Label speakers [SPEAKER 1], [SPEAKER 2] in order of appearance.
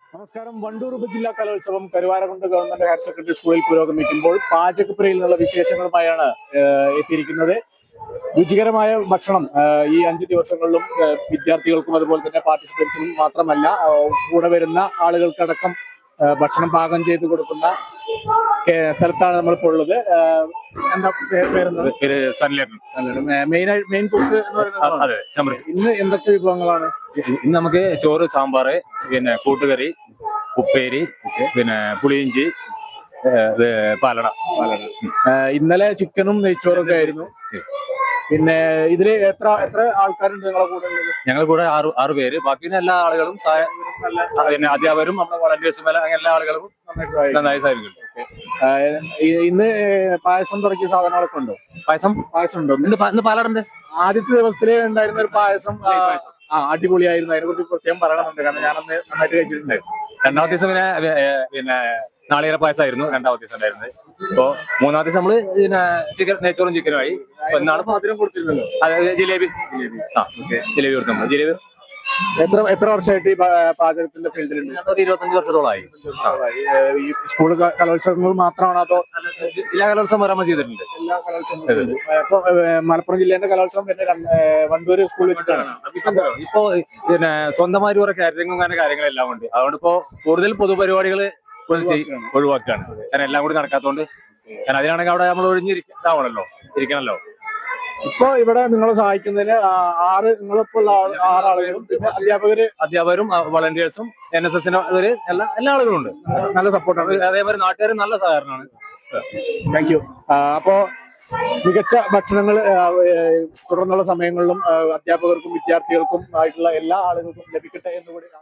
[SPEAKER 1] നമസ്കാരം. വണ്ടൂർ ഉപജില്ലാ കലോത്സവം കരുവാരകുണ്ട് ഗവൺമെന്റ് ഹയർ സെക്കൻഡറി സ്കൂളിൽ പുരോഗമിക്കുമ്പോൾ പാചകപ്പുരയിൽ നിന്നുള്ള വിശേഷങ്ങളുമായാണ് എത്തിയിരിക്കുന്നത്. രുചികരമായ ഭക്ഷണം ഈ 5 ദിവസങ്ങളിലും വിദ്യാർത്ഥികൾക്കും അതുപോലെ തന്നെ പാർട്ടിസിപ്പൻസിനും മാത്രമല്ല കൂടെ വരുന്ന ആളുകൾക്കടക്കം ഭക്ഷണം പാകം ചെയ്ത് കൊടുക്കുന്ന സ്ഥലത്താണ് നമ്മളിപ്പോൾ ഉള്ളത്. എന്താ പേര്? മെയിൻ കുക്ക് എന്ന് പറയുന്നത്. ഇന്ന് എന്തൊക്കെ വിഭവങ്ങളാണ്?
[SPEAKER 2] ഇന്ന് നമുക്ക് ചോറ്, സാമ്പാറ്, പിന്നെ കൂട്ടുകറി, ഉപ്പേരി, പിന്നെ പുളിയിഞ്ചി, പാലട.
[SPEAKER 1] ഇന്നലെ ചിക്കനും നെയ്ച്ചോറും ഒക്കെ ആയിരുന്നു. പിന്നെ ഇതില് എത്ര ആൾക്കാരുണ്ട് നിങ്ങളെ കൂടെ?
[SPEAKER 2] ഞങ്ങൾ കൂടെ ആറ് പേര്. ബാക്കി എല്ലാ ആളുകളും പിന്നെ അധ്യാപകരും നമ്മുടെ വളണ്ടിയേഴ്സും എല്ലാ ആളുകളും നന്നായി സഹായിക്കുന്നുണ്ട്.
[SPEAKER 1] ഇന്ന് പായസം തുടങ്ങിയ സാധനങ്ങളൊക്കെ ഉണ്ടോ? പായസം ഉണ്ടോ?
[SPEAKER 2] ഇന്ന് പാലടുണ്ട്.
[SPEAKER 1] ആദ്യത്തെ ദിവസത്തില് ഉണ്ടായിരുന്ന ഒരു പായസം അടിപൊളിയായിരുന്നു. അതിനെ കുറിച്ച് പ്രത്യേകം പറയണമെന്നുണ്ട്, കാരണം ഞാനന്ന് നന്നായിട്ട് കഴിച്ചിട്ടുണ്ടായിരുന്നു.
[SPEAKER 2] രണ്ടാമത്തെ ദിവസം പിന്നെ നാളികേര പായസമായിരുന്നു രണ്ടാമത്തെ ദിവസം ഉണ്ടായിരുന്നത്. ഇപ്പൊ മൂന്നാമത്തെ ദിവസം നമ്മള് പിന്നെ നെയ്ച്ചോറും ചിക്കനുമായി.
[SPEAKER 1] എന്നാണ് മധുരം കൊടുത്തിരുന്നല്ലോ.
[SPEAKER 2] അതായത് ജിലേബി കൊടുത്തു. നമ്മൾ ജിലേബി
[SPEAKER 1] എത്ര വർഷമായിട്ട് ഈ പാചകത്തിന്റെ ഫീൽഡിലുണ്ട്?
[SPEAKER 2] 25 വർഷത്തോളമായി.
[SPEAKER 1] ഈ സ്കൂൾ കലോത്സവങ്ങൾ മാത്രമാണോ അതോ
[SPEAKER 2] ജില്ലാ കലോത്സവം വരാൻ ചെയ്തിട്ടുണ്ട്?
[SPEAKER 1] എല്ലാ കലോത്സവങ്ങളും. ഇപ്പൊ മലപ്പുറം ജില്ലേന്റെ കലോത്സവം പിന്നെ വണ്ടൂര് സ്കൂളിൽ വെച്ചിട്ടാണ്.
[SPEAKER 2] ഇപ്പൊ പിന്നെ സ്വന്തമായിട്ട് കുറെ കാറ്ററിംഗും അങ്ങനെ കാര്യങ്ങളെല്ലാം ഉണ്ട്. അതുകൊണ്ട് ഇപ്പോ കൂടുതൽ പൊതുപരിപാടികൾ ഒഴിവാക്കുകയാണ്. കാരണം എല്ലാം കൂടി നടക്കാത്തതുകൊണ്ട്. കാരണം അതിനാണെങ്കിൽ അവിടെ നമ്മൾ ഇരിക്കണല്ലോ.
[SPEAKER 1] ഇപ്പൊ ഇവിടെ നിങ്ങളെ സഹായിക്കുന്നതിന് നിങ്ങളിപ്പോൾ 6 ആളുകളും പിന്നെ
[SPEAKER 2] അധ്യാപകരും വളണ്ടിയേഴ്സും NSS എല്ലാ ആളുകളും ഉണ്ട്.
[SPEAKER 1] നല്ല സപ്പോർട്ടാണ്.
[SPEAKER 2] അതേപോലെ നാട്ടുകാരും നല്ല സഹകരണമാണ്.
[SPEAKER 1] Thank you. അപ്പോ മികച്ച ഭക്ഷണങ്ങൾ തുടർന്നുള്ള സമയങ്ങളിലും അധ്യാപകർക്കും വിദ്യാർത്ഥികൾക്കും ആയിട്ടുള്ള എല്ലാ ആളുകൾക്കും ലഭിക്കട്ടെ എന്നുകൂടി